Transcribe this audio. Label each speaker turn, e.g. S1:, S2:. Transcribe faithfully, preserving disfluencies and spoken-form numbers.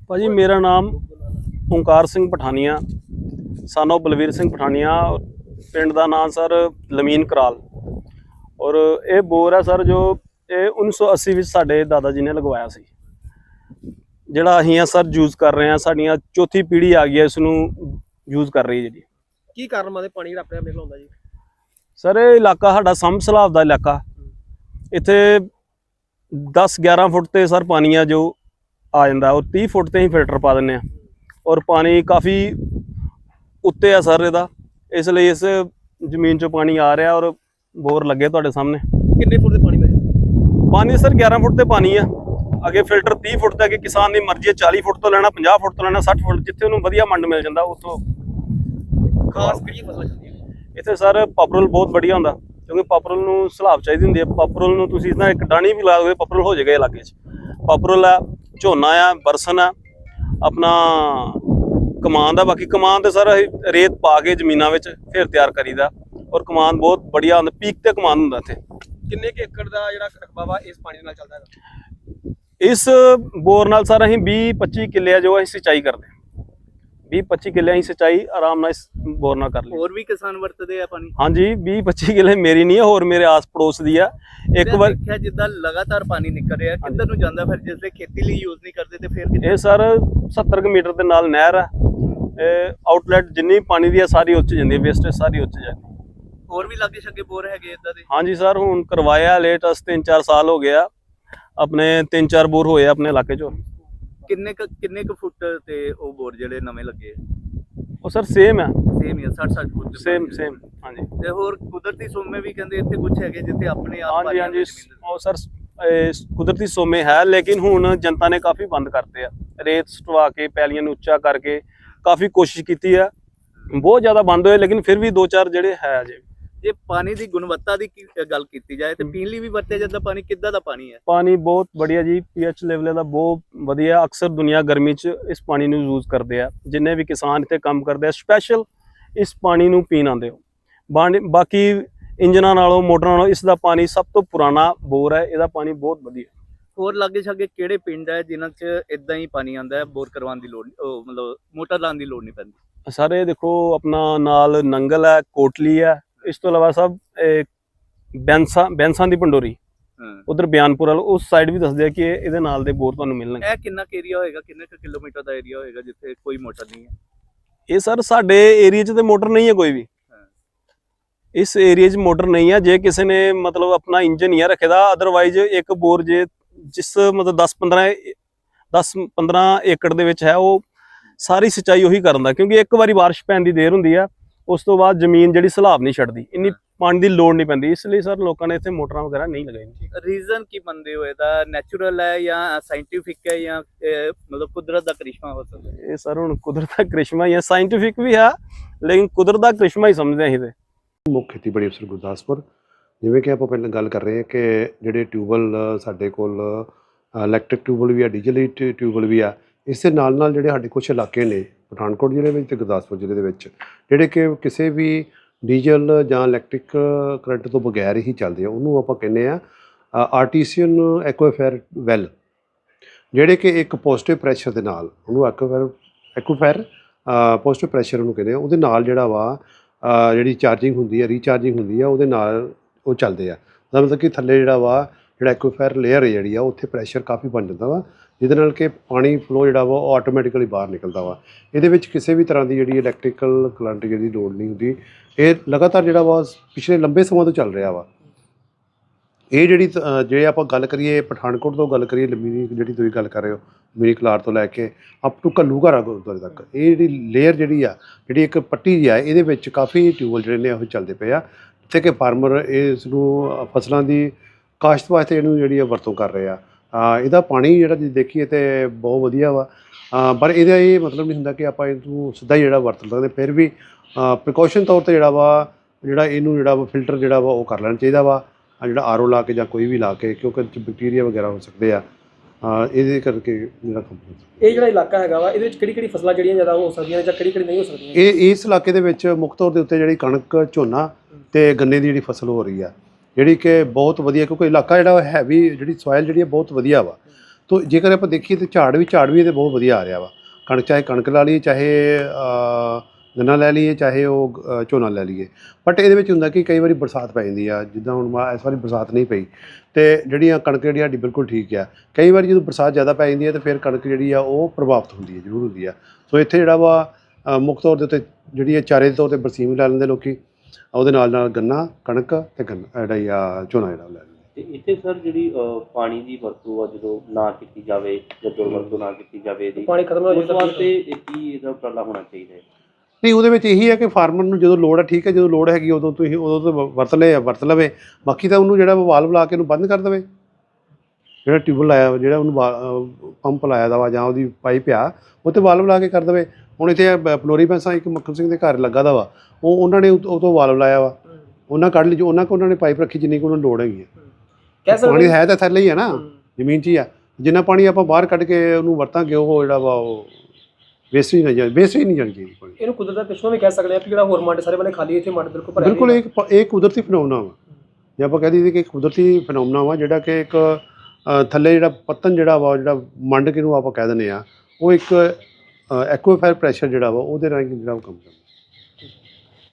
S1: ਭਾਜੀ ਮੇਰਾ ਨਾਮ ਓਂਕਾਰ ਸਿੰਘ ਪਠਾਨੀਆ ਸਾਨੋ ਬਲਵੀਰ ਸਿੰਘ ਪਠਾਨੀਆ ਪਿੰਡ ਦਾ ਨਾਮ ਸਰ ਲਮੀਨ ਕਰਾਲ ਔਰ ਇਹ ਬੋਰ ਹੈ ਸਰ ਜੋ ਇਹ ਉੱਨੀ ਸੌ अस्सी ਵਿੱਚ ਸਾਡੇ ਦਾਦਾ ਜੀ ਨੇ ਲਗਵਾਇਆ ਸੀ ਜਿਹੜਾ ਅਸੀਂ ਆ ਸਰ ਯੂਜ਼ ਕਰ ਰਹੇ ਹਾਂ ਸਾਡੀਆਂ ਚੌਥੀ ਪੀੜ੍ਹੀ ਆ ਗਈ ਹੈ ਇਸ ਨੂੰ ਯੂਜ਼ ਕਰ ਰਹੀ ਹੈ ਜਿਹੜੀ
S2: ਕੀ ਕਾਰਨ ਮਾਦੇ ਪਾਣੀ ਜਿਹੜਾ ਆਪਣੇ ਆਪ ਨਿਕਲ ਆਉਂਦਾ ਜੀ
S1: ਸਰ ਇਹ ਇਲਾਕਾ ਸਾਡਾ ਸੰਭ ਸਲਾਬ ਦਾ ਇਲਾਕਾ ਇੱਥੇ दस ग्यारह फुट ਤੇ ਸਰ ਪਾਣੀ ਆ ਜੋ ਆ ਜਾਂਦਾ ਔਰ तीस फुट ਤੇ ਹੀ ਫਿਲਟਰ ਪਾ ਦਿੰਦੇ ਆ ਔਰ ਪਾਣੀ ਕਾਫੀ ਉੱਤੇ ਆ ਸਰ ਇਹਦਾ ਇਸ ਲਈ ਇਸ ਜ਼ਮੀਨ 'ਚੋਂ ਪਾਣੀ ਆ ਰਿਹਾ ਔਰ ਬੋਰ ਲੱਗੇ ਤੁਹਾਡੇ ਸਾਹਮਣੇ
S2: ਕਿੰਨੇ ਫੁੱਟ ਦੇ ਪਾਣੀ ਵਿੱਚ
S1: ਪਾਣੀ ਸਰ ग्यारह फुट ਤੇ ਪਾਣੀ ਆ ਅੱਗੇ ਫਿਲਟਰ तीस फुट ਤੇ ਅੱਗੇ ਕਿਸਾਨ ਦੀ ਮਰਜ਼ੀ ਹੈ चालीस फुट ਤੋਂ ਲੈਣਾ पचास फुट ਤੋਂ ਲੈਣਾ साठ फुट ਜਿੱਥੇ ਉਹਨੂੰ ਵਧੀਆ ਮੰਡ ਮਿਲ ਜਾਂਦਾ ਉੱਥੋਂ
S2: ਖਾਸ ਕਿਹੜੀ ਫਸਲ ਚੱਲਦੀ ਹੈ
S1: ਇੱਥੇ ਸਰ ਪਾਪਰਲ ਬਹੁਤ ਵਧੀਆ ਹੁੰਦਾ क्योंकि पापरल ਨੂੰ ਸਲਾਬ ਚਾਹੀਦੀ ਹੁੰਦੀ ਹੈ ਪਾਪਰਲ ਨੂੰ ਤੁਸੀਂ ਇਦਾਂ ਇੱਕ ਡਾਣੀ ਵੀ ਲਾ ਦੋਗੇ ਪਾਪਰਲ ਹੋ ਜਾਏਗਾ ਇਲਾਕੇ 'ਚ ਪਾਪਰਲ ਹੈ ਝੋਨਾ ਆ ਬਰਸਨ ਆ ਆਪਣਾ ਕਮਾਨ ਦਾ ਬਾਕੀ ਕਮਾਨ ਤੇ ਸਰ ਰੇਤ ਪਾ ਕੇ ਜ਼ਮੀਨਾਂ ਵਿੱਚ ਫਿਰ ਤਿਆਰ ਕਰੀਦਾ ਔਰ ਕਮਾਨ ਬਹੁਤ ਬੜੀਆ ਹੁੰਦਾ ਪੀਕ ਤੇ ਕਮਾਨ ਹੁੰਦਾ ਇੱਥੇ
S2: ਕਿੰਨੇ ਕੁ ਏਕੜ ਦਾ ਜਿਹੜਾ ਰਕਬਾ ਵਾ ਇਸ ਪਾਣੀ ਦੇ ਨਾਲ ਚੱਲਦਾ ਹੈਗਾ
S1: ਇਸ ਬੋਰ ਨਾਲ ਸਰ ਅਸੀਂ ਵੀਹ पच्चीस ਕਿੱਲੇ ਆ ਜੋ ਅਸੀਂ ਸਿੰਚਾਈ ਕਰਦੇ बीस पच्चीस किले ਅਸੀਂ ਸਿੰਚਾਈ ਆਰਾਮ ਨਾਲ ਇਸ ਬੋਰ ਨਾਲ ਕਰ ਲਈ
S2: ਹੋਰ ਵੀ ਕਿਸਾਨ ਵਰਤਦੇ ਆ ਪਾਣੀ
S1: ਹਾਂਜੀ बीस पच्चीस ਕਿਲੇ ਮੇਰੀ ਨਹੀਂ ਹੈ ਹੋਰ ਮੇਰੇ ਆਸ ਪੜੋਸ ਦੀ ਆ ਇੱਕ ਵਾਰ
S2: ਦੇਖਿਆ ਜਿੱਦਾਂ ਲਗਾਤਾਰ ਪਾਣੀ ਨਿਕਲ ਰਿਹਾ ਕਿੱਧਰ ਨੂੰ ਜਾਂਦਾ ਫਿਰ ਜਿਸਲੇ ਖੇਤੀ ਲਈ ਯੂਜ਼ ਨਹੀਂ ਕਰਦੇ ਤੇ ਫਿਰ
S1: ਇਹ ਸਰ सत्तर ਕੁ ਮੀਟਰ ਦੇ ਨਾਲ ਨਹਿਰ ਆ ਇਹ ਆਊਟਲੈਟ ਜਿੰਨੀ ਪਾਣੀ ਦੀ ਆ ਸਾਰੀ ਉੱਚ ਜਾਂਦੀ ਹੈ ਵੇਸਟੇਜ ਸਾਰੀ ਉੱਚ ਜਾਂਦੀ
S2: ਹੋਰ ਵੀ ਲਾਗੇ ਛੱਗੇ ਬੋਰ ਹੈਗੇ ਇਦਾਂ ਦੇ
S1: ਹਾਂਜੀ ਸਰ ਹੁਣ ਕਰਵਾਇਆ ਲੇਟੈਸਟ ਤਿੰਨ ਚਾਰ ਸਾਲ ਹੋ ਗਿਆ ਆਪਣੇ ਤਿੰਨ ਚਾਰ ਬੋਰ ਹੋਏ ਆਪਣੇ ਇਲਾਕੇ 'ਚੋਂ
S2: ਕਿੰਨੇ ਕੁ ਕਿੰਨੇ ਕੁ ਫੁੱਟ ਤੇ ਉਹ ਬੋਰ ਜਿਹੜੇ ਨਵੇਂ ਲੱਗੇ
S1: ਉਹ ਸਰ ਸੇਮ ਹੈ
S2: ਸੇਮ ਹੀ ਸੱਠ ਸੱਠ ਫੁੱਟ
S1: ਸੇਮ ਸੇਮ ਹਾਂਜੀ
S2: ਤੇ ਹੋਰ ਕੁਦਰਤੀ ਸੋਮੇ ਵੀ ਕਹਿੰਦੇ ਇੱਥੇ ਕੁਝ ਹੈਗੇ ਜਿੱਥੇ ਆਪਣੇ ਆਪ
S1: ਹਾਂਜੀ ਹਾਂਜੀ ਉਹ ਸਰ ਕੁਦਰਤੀ ਸੋਮੇ ਹੈ ਲੇਕਿਨ ਹੁਣ ਜਨਤਾ ਨੇ ਕਾਫੀ ਬੰਦ ਕਰਤੇ ਆ ਰੇਤ ਸਟਵਾ ਕੇ ਪੈਲੀਆਂ ਨੂੰ ਉੱਚਾ ਕਰਕੇ ਕਾਫੀ ਕੋਸ਼ਿਸ਼ ਕੀਤੀ ਆ ਬਹੁਤ ਜ਼ਿਆਦਾ ਬੰਦ ਹੋਏ ਲੇਕਿਨ ਫਿਰ ਵੀ ਦੋ ਚਾਰ ਜਿਹੜੇ ਹੈ ਅਜੇ
S2: ਜੇ ਪਾਣੀ ਦੀ ਗੁਣਵੱਤਾ ਦੀ ਗੱਲ ਕੀਤੀ ਜਾਏ ਤੇ ਪੀਣ ਲਈ ਵੀ ਵਰਤਿਆ ਜਾਂਦਾ ਪਾਣੀ ਕਿੱਦਾਂ ਦਾ ਪਾਣੀ ਹੈ
S1: ਪਾਣੀ ਬਹੁਤ ਵਧੀਆ ਜੀ ਪੀਐਚ ਲੈਵਲ ਦਾ ਬਹੁਤ ਵਧੀਆ ਅਕਸਰ ਦੁਨੀਆ ਗਰਮੀ 'ਚ ਇਸ ਪਾਣੀ ਨੂੰ ਯੂਜ਼ ਕਰਦੇ ਆ ਜਿੰਨੇ ਵੀ ਕਿਸਾਨ ਇੱਥੇ ਕੰਮ ਕਰਦੇ ਆ ਸਪੈਸ਼ਲ ਇਸ ਪਾਣੀ ਨੂੰ ਪੀਣ ਆਉਂਦੇ ਹੋ ਬਾਕੀ ਇੰਜਨਾਂ ਨਾਲੋਂ ਮੋਟਰਾਂ ਨਾਲੋਂ ਇਸ ਦਾ ਪਾਣੀ ਸਭ ਤੋਂ ਪੁਰਾਣਾ ਬੋਰ ਹੈ ਇਹਦਾ ਪਾਣੀ ਬਹੁਤ ਵਧੀਆ
S2: ਹੋਰ ਲਾਗੇ ਛਾਗੇ ਕਿਹੜੇ ਪਿੰਡ ਹੈ ਜਿਨ੍ਹਾਂ 'ਚ ਇਦਾਂ ਹੀ ਪਾਣੀ ਆਉਂਦਾ ਹੈ ਬੋਰ ਕਰਵਾਉਣ ਦੀ ਲੋੜ ਮਤਲਬ ਮੋਟਰ ਲਾਉਣ ਦੀ ਲੋੜ ਨਹੀਂ ਪੈਂਦੀ
S1: ਸਾਰੇ ਦੇਖੋ ਆਪਣਾ ਨਾਲ ਨੰਗਲ ਹੈ ਕੋਟਲੀ ਹੈ ਇਸ ਤੋਂ ਇਲਾਵਾ ਸਭ ਬੈਂਸਾ ਬੈਂਸਾਂ ਦੀ ਪੰਡੋਰੀ ਉਧਰ ਬਿਆਨਪੁਰ ਵਾਲ ਉਸ ਸਾਈਡ ਵੀ ਦੱਸਦੇ ਆ ਕਿ ਇਹਦੇ ਨਾਲ ਦੇ ਬੋਰ ਤੁਹਾਨੂੰ ਮਿਲਣਗੇ
S2: ਇਹ ਕਿੰਨਾ ਏਰੀਆ ਹੋਏਗਾ ਕਿੰਨੇ ਕੁ ਕਿਲੋਮੀਟਰ ਦਾ ਏਰੀਆ ਹੋਏਗਾ ਜਿੱਥੇ ਕੋਈ ਮੋਟਰ ਨਹੀਂ ਹੈ
S1: ਇਹ ਸਰ ਸਾਡੇ ਏਰੀਆ 'ਚ ਤੇ ਮੋਟਰ ਨਹੀਂ ਹੈ ਕੋਈ ਵੀ ਇਸ ਏਰੀਆ 'ਚ ਮੋਟਰ ਨਹੀਂ ਹੈ ਜੇ ਕਿਸੇ ਨੇ ਮਤਲਬ ਆਪਣਾ ਇੰਜਨ ਹੀ ਰੱਖੇ ਦਾ ਅਦਰਵਾਈਜ਼ ਇੱਕ ਬੋਰ ਜੇ ਜਿਸ ਮਤਲਬ दस पंद्रह दस पंद्रह ਏਕੜ ਦੇ ਵਿੱਚ ਹੈ ਉਹ ਸਾਰੀ ਸਿੰਚਾਈ ਉਹੀ ਕਰਨ ਦਾ ਕਿਉਂਕਿ ਇੱਕ ਵਾਰੀ ਬਾਰਿਸ਼ ਪੈਣ ਦੀ ਦੇਰ ਹੁੰਦੀ ਆ ਉਸ ਤੋਂ ਬਾਅਦ ਜ਼ਮੀਨ ਜਿਹੜੀ ਸਲਾਬ ਨਹੀਂ ਛੱਡਦੀ ਇੰਨੀ ਪਾਣੀ ਦੀ ਲੋੜ ਨਹੀਂ ਪੈਂਦੀ ਇਸ ਲਈ ਸਰ ਲੋਕਾਂ ਨੇ ਇੱਥੇ ਮੋਟਰਾਂ ਵਗੈਰਾ ਨਹੀਂ ਲਗਾਈਆਂ
S2: ਰੀਜ਼ਨ ਕੀ ਮੰਨਦੇ ਹੋ ਇਹਦਾ ਨੈਚੁਰਲ ਹੈ ਜਾਂ ਸਾਇੰਟੀਫਿਕ ਹੈ ਜਾਂ ਮਤਲਬ ਕੁਦਰਤ ਦਾ ਕ੍ਰਿਸ਼ਮਾ ਹੋ ਸਕਦਾ
S1: ਇਹ ਸਰ ਹੁਣ ਕੁਦਰਤ ਦਾ ਕ੍ਰਿਸ਼ਮਾ ਹੀ ਹੈ ਸਾਇੰਟੀਫਿਕ ਵੀ ਹੈ ਲੇਕਿਨ ਕੁਦਰਤ ਦਾ ਕ੍ਰਿਸ਼ਮਾ ਹੀ ਸਮਝਦੇ ਅਸੀਂ ਤੇ
S3: ਮੁੱਖ ਖੇਤੀਬਾੜੀ ਅਫਸਰ ਗੁਰਦਾਸਪੁਰ ਜਿਵੇਂ ਕਿ ਆਪਾਂ ਪਹਿਲਾਂ ਗੱਲ ਕਰ ਰਹੇ ਹਾਂ ਕਿ ਜਿਹੜੇ ਟਿਊਬਵੈੱਲ ਸਾਡੇ ਕੋਲ ਇਲੈਕਟ੍ਰਿਕ ਟਿਊਬਵੈੱਲ ਵੀ ਆ ਡੀਜ਼ਲ ਟਿਊਬਵੈੱਲ ਵੀ ਆ ਇਸ ਦੇ ਨਾਲ ਨਾਲ ਜਿਹੜੇ ਸਾਡੇ ਕੁਝ ਇਲਾਕੇ ਨੇ ਪਠਾਨਕੋਟ ਜ਼ਿਲ੍ਹੇ ਵਿੱਚ ਤੇ ਗੁਰਦਾਸਪੁਰ ਜ਼ਿਲ੍ਹੇ ਦੇ ਵਿੱਚ ਜਿਹੜੇ ਕਿ ਕਿਸੇ ਵੀ ਡੀਜ਼ਲ ਜਾਂ ਇਲੈਕਟ੍ਰਿਕ ਕਰੰਟ ਤੋਂ ਬਗੈਰ ਹੀ ਚੱਲਦੇ ਆ ਉਹਨੂੰ ਆਪਾਂ ਕਹਿੰਦੇ ਆ ਆਰਟੀਸੀਅਨ ਐਕੁਆਫਾਇਰ ਵੈਲ ਜਿਹੜੇ ਕਿ ਇੱਕ ਪੋਜ਼ਿਟਿਵ ਪ੍ਰੈਸ਼ਰ ਦੇ ਨਾਲ ਉਹਨੂੰ ਐਕੁਆਫਾਇਰ ਐਕੁਆਫਾਇਰ ਪੋਜ਼ਿਟਿਵ ਪ੍ਰੈਸ਼ਰ ਉਹਨੂੰ ਕਹਿੰਦੇ ਆ ਉਹਦੇ ਨਾਲ ਜਿਹੜਾ ਵਾ ਜਿਹੜੀ ਚਾਰਜਿੰਗ ਹੁੰਦੀ ਹੈ ਰੀਚਾਰਜਿੰਗ ਹੁੰਦੀ ਆ ਉਹਦੇ ਨਾਲ ਉਹ ਚੱਲਦੇ ਆ ਉਹਦਾ ਮਤਲਬ ਕਿ ਥੱਲੇ ਜਿਹੜਾ ਵਾ ਜਿਹੜਾ ਐਕੁਆਫਾਇਰ ਲੇਅਰ ਹੈ ਜਿਹੜੀ ਆ ਉੱਥੇ ਪ੍ਰੈਸ਼ਰ ਕਾਫੀ ਬਣ ਜਾਂਦਾ ਵਾ ਜਿਹਦੇ ਨਾਲ ਕਿ ਪਾਣੀ ਫਲੋ ਜਿਹੜਾ ਵਾ ਉਹ ਆਟੋਮੈਟਿਕਲੀ ਬਾਹਰ ਨਿਕਲਦਾ ਵਾ ਇਹਦੇ ਵਿੱਚ ਕਿਸੇ ਵੀ ਤਰ੍ਹਾਂ ਦੀ ਜਿਹੜੀ ਇਲੈਕਟ੍ਰੀਕਲ ਕਰੰਟ ਜਿਹੜੀ ਲੋੜ ਨਹੀਂ ਹੁੰਦੀ ਇਹ ਲਗਾਤਾਰ ਜਿਹੜਾ ਵਾ ਪਿਛਲੇ ਲੰਬੇ ਸਮਾਂ ਤੋਂ ਚੱਲ ਰਿਹਾ ਵਾ ਇਹ ਜਿਹੜੀ ਜੇ ਆਪਾਂ ਗੱਲ ਕਰੀਏ ਪਠਾਨਕੋਟ ਤੋਂ ਗੱਲ ਕਰੀਏ ਲੰਮੀ ਜਿਹੜੀ ਤੁਸੀਂ ਗੱਲ ਕਰ ਰਹੇ ਹੋ ਮੀਰੀ ਕਲਾਰ ਤੋਂ ਲੈ ਕੇ ਅਪ ਟੂ ਘੱਲੂਘਾਰਾ ਗੁਰਦੁਆਰੇ ਤੱਕ ਇਹ ਜਿਹੜੀ ਲੇਅਰ ਜਿਹੜੀ ਆ ਜਿਹੜੀ ਇੱਕ ਪੱਟੀ ਜਿਹੀ ਆ ਇਹਦੇ ਵਿੱਚ ਕਾਫੀ ਟਿਊਬਵੈੱਲ ਜਿਹੜੇ ਨੇ ਉਹ ਚੱਲਦੇ ਪਏ ਆ ਜਿੱਥੇ ਕਿ ਫਾਰਮਰ ਇਸ ਨੂੰ ਫਸਲਾਂ ਦੀ ਕਾਸ਼ਤ ਵਾਸਤੇ ਇਹਨੂੰ ਜਿਹੜੀ ਆ ਵਰਤੋਂ ਕਰ ਰਹੇ ਆ ਇਹਦਾ ਪਾਣੀ ਜਿਹੜਾ ਜੇ ਦੇਖੀਏ ਤਾਂ ਬਹੁਤ ਵਧੀਆ ਵਾ ਪਰ ਇਹਦਾ ਇਹ ਮਤਲਬ ਨਹੀਂ ਹੁੰਦਾ ਕਿ ਆਪਾਂ ਇਹਨੂੰ ਸਿੱਧਾ ਹੀ ਜਿਹੜਾ ਵਰਤ ਸਕਦੇ ਫਿਰ ਵੀ ਪ੍ਰੀਕਾਸ਼ਨ ਤੌਰ 'ਤੇ ਜਿਹੜਾ ਵਾ ਜਿਹੜਾ ਇਹਨੂੰ ਜਿਹੜਾ ਵਾ ਫਿਲਟਰ ਜਿਹੜਾ ਵਾ ਉਹ ਕਰ ਲੈਣਾ ਚਾਹੀਦਾ ਵਾ ਜਿਹੜਾ ਆਰ ਓ ਲਾ ਕੇ ਜਾਂ ਕੋਈ ਵੀ ਲਾ ਕੇ ਕਿਉਂਕਿ ਬੈਕਟੀਰੀਆ ਵਗੈਰਾ ਹੋ ਸਕਦੇ ਆ ਇਹਦੇ ਕਰਕੇ ਜਿਹੜਾ ਕੰਪਨੀ
S4: ਇਹ ਜਿਹੜਾ ਇਲਾਕਾ ਹੈਗਾ ਵਾ ਇਹਦੇ ਵਿੱਚ ਕਿਹੜੀ ਕਿਹੜੀ ਫਸਲਾਂ ਜਿਹੜੀਆਂ ਜ਼ਿਆਦਾ ਹੋ ਸਕਦੀਆਂ ਨੇ ਜਾਂ ਕਿਹੜੀ ਕਿਹੜੀ ਨਹੀਂ ਹੋ ਸਕਦੀਆਂ
S3: ਇਹ ਇਸ ਇਲਾਕੇ ਦੇ ਵਿੱਚ ਮੁੱਖ ਤੌਰ ਦੇ ਉੱਤੇ ਜਿਹੜੀ ਕਣਕ ਝੋਨਾ ਤੇ ਗੰਨੇ ਦੀ ਜਿਹੜੀ ਫਸਲ ਹੋ ਰਹੀ ਆ ਜਿਹੜੀ ਕਿ ਬਹੁਤ ਵਧੀਆ ਕਿਉਂਕਿ ਇਲਾਕਾ ਜਿਹੜਾ ਹੈਵੀ ਜਿਹੜੀ ਸੋਇਲ ਜਿਹੜੀ ਬਹੁਤ ਵਧੀਆ ਵਾ ਤੋ ਜੇਕਰ ਆਪਾਂ ਦੇਖੀਏ ਤਾਂ ਝਾੜ ਵੀ ਝਾੜ ਵੀ ਇਹਦੇ ਬਹੁਤ ਵਧੀਆ ਆ ਰਿਹਾ ਵਾ। ਕਣਕ ਚਾਹੇ ਕਣਕ ਲਾ ਲਈਏ, ਚਾਹੇ ਗੰਨਾ ਲੈ ਲਈਏ, ਚਾਹੇ ਉਹ ਅ, ਝੋਨਾ ਲੈ ਲਈਏ। ਬਟ ਇਹਦੇ ਵਿੱਚ ਹੁੰਦਾ ਕਿ ਕਈ ਵਾਰੀ ਬਰਸਾਤ ਪੈ ਜਾਂਦੀ ਆ, ਜਿੱਦਾਂ ਹੁਣ ਮਾ- ਇਸ ਵਾਰੀ ਬਰਸਾਤ ਨਹੀਂ ਪਈ ਅਤੇ ਜਿਹੜੀਆਂ ਕਣਕ ਜਿਹੜੀ ਸਾਡੀ ਬਿਲਕੁਲ ਠੀਕ ਆ। ਕਈ ਵਾਰੀ ਜਦੋਂ ਬਰਸਾਤ ਜ਼ਿਆਦਾ ਪੈ ਜਾਂਦੀ ਹੈ ਤਾਂ ਫਿਰ ਕਣਕ ਜਿਹੜੀ ਆ ਉਹ ਪ੍ਰਭਾਵਿਤ ਹੁੰਦੀ ਹੈ, ਜ਼ਰੂਰ ਹੁੰਦੀ ਆ। ਸੋ ਇੱਥੇ ਜਿਹੜਾ ਵਾ ਅ, ਮੁੱਖ ਤੌਰ ਦੇ ਉੱਤੇ ਜਿਹੜੀ ਹੈ ਚਾਰੇ ਦੇ ਤੌਰ 'ਤੇ ਬਰਸੀਮ ਵੀ ਲੈ ਲੈਂਦੇ ਲੋਕੀ, ਉਹਦੇ ਨਾਲ ਨਾਲ ਗੰਨਾ, ਕਣਕ ਅਤੇ ਗੰਨਾ ਜਿਹੜਾ ਹੀ ਆ ਝੋਨਾ ਜਿਹੜਾ ਉਹ ਲੈ ਲੈਂਦੇ।
S5: ਤੇ ਇੱਥੇ ਸਰ ਜਿਹੜੀ ਅਹ, ਪਾਣੀ ਦੀ ਵਰਤੋਂ ਆ ਜਦੋਂ ਨਾ ਕੀਤੀ ਜਾਵੇ ਜਾਂ ਦੁਰਵਰਤੋਂ ਨਾ ਕੀਤੀ ਜਾਵੇ ਇਹਦੀ,
S4: ਪਾਣੀ ਖਤਮ ਹੋ
S5: ਉਸ
S4: ਜਾਂਦਾ
S5: ਵਾਸਤੇ ਇਹ ਕੀ ਇਹਦਾ ਉਪਰਾਲਾ ਹੋਣਾ ਚਾਹੀਦਾ ਹੈ?
S3: ਨਹੀਂ, ਉਹਦੇ ਵਿੱਚ ਇਹੀ ਹੈ ਕਿ ਫਾਰਮਰ ਨੂੰ ਜਦੋਂ ਲੋੜ ਹੈ ਠੀਕ ਹੈ, ਜਦੋਂ ਲੋੜ ਹੈਗੀ ਉਦੋਂ ਤੁਸੀਂ ਉਦੋਂ ਤੋਂ ਵ- ਵਰਤ ਲਏ ਵਰਤ ਲਵੇ। ਬਾਕੀ ਤਾਂ ਉਹਨੂੰ ਜਿਹੜਾ ਵਾਲਵ ਲਾ ਕੇ ਉਹਨੂੰ ਬੰਦ ਕਰ ਦੇਵੇ। ਜਿਹੜਾ ਟਿਊਬਲ ਲਾਇਆ ਵਾ, ਜਿਹੜਾ ਉਹਨੂੰ ਵਾ- ਅਹ ਪੰਪ ਲਾਇਆ ਦਾ ਵਾ ਜਾਂ ਉਹਦੀ ਪਾਈਪ ਆ, ਉਹ 'ਤੇ ਵਾਲਵ ਲਾ ਕੇ ਕਰ ਦੇਵੇ। ਹੁਣ ਇੱਥੇ ਬ- ਪਲੋਰੀ ਪੈਂਸਾ ਇੱਕ ਮੱਖਣ ਸਿੰਘ ਦੇ ਘਰ ਲੱਗਾ ਦਾ ਵਾ, ਉਹ ਉਹਨਾਂ ਨੇ ਉਹ ਤੋਂ ਵਾਲਵ ਲਾਇਆ ਵਾ, ਉਹਨਾਂ ਕੱਢ ਲਈ, ਜੋ ਉਹਨਾਂ ਕੋਲ ਉਹਨਾਂ ਨੇ ਪਾਈਪ ਰੱਖੀ ਜਿੰਨੀ ਕੁ ਉਹਨਾਂ ਨੂੰ ਲੋੜ ਹੈਗੀ ਹੈ।
S4: ਕਹਿ ਸਕਦੇ
S3: ਪਾਣੀ ਹੈ ਤਾਂ ਥੱਲੇ ਹੀ ਹੈ ਨਾ,
S4: ਹੂੰ।
S3: ਜ਼ਮੀਨ 'ਚ ਹੀ ਆ। ਜਿੰਨਾ ਪਾਣੀ ਆਪਾਂ ਬਾਹਰ ਕੱਢ ਕੇ ਉਹਨੂੰ ਵਰਤਾਂਗੇ ਉਹ ਜਿਹੜਾ ਵਾ ਉਹ ਵੇਸਟ ਹੀ ਨਹੀਂ ਜਾ ਵੇਸਟ ਹੀ ਨਹੀਂ ਜਾਣੀ ਚਾਹੀਦੀ ਪਾਣੀ।
S4: ਇਹਨੂੰ ਕੁਦਰਤ ਦਾ ਪਿੱਛੋਂ ਵੀ ਕਹਿ ਸਕਦੇ ਆ ਕਿ ਜਿਹੜਾ ਹੋਰ ਮੱਡ ਸਾਰੇ ਬੰਨੇ ਖਾਲੀ, ਇੱਥੇ ਮੱਡ ਬਿਲਕੁਲ ਭਰਿਆ
S3: ਬਿਲਕੁਲ
S4: ਹੋਇਆ।
S3: ਇੱਕ ਪ- ਇਹ ਕੁਦਰਤੀ ਫੈਨੋਮਨਾ ਵਾ, ਜੇ ਆਪਾਂ ਕਹਿ ਦਈਏ ਕਿ ਇੱਕ ਕੁਦਰਤੀ ਫੈਨੋਮਨਾ ਵਾ, ਜਿਹੜਾ ਕਿ ਇੱਕ ਅ, ਥੱਲੇ ਜਿਹੜਾ ਪੱਤਨ ਜਿਹੜਾ ਵਾ, ਜਿਹੜਾ ਮੰਡ ਕਿਹਨੂੰ ਆਪਾਂ ਕਹਿ ਦਿੰਦੇ ਆ, ਉਹ ਇੱਕ ਐਕੁਆਫਾਇਰ ਪ੍ਰੈਸ਼ਰ ਜਿਹੜਾ ਵਾ ਉਹਦੇ ਰਾਹੀਂ ਜਿਹੜਾ ਉਹ ਕੰਮ ਕਰਦਾ।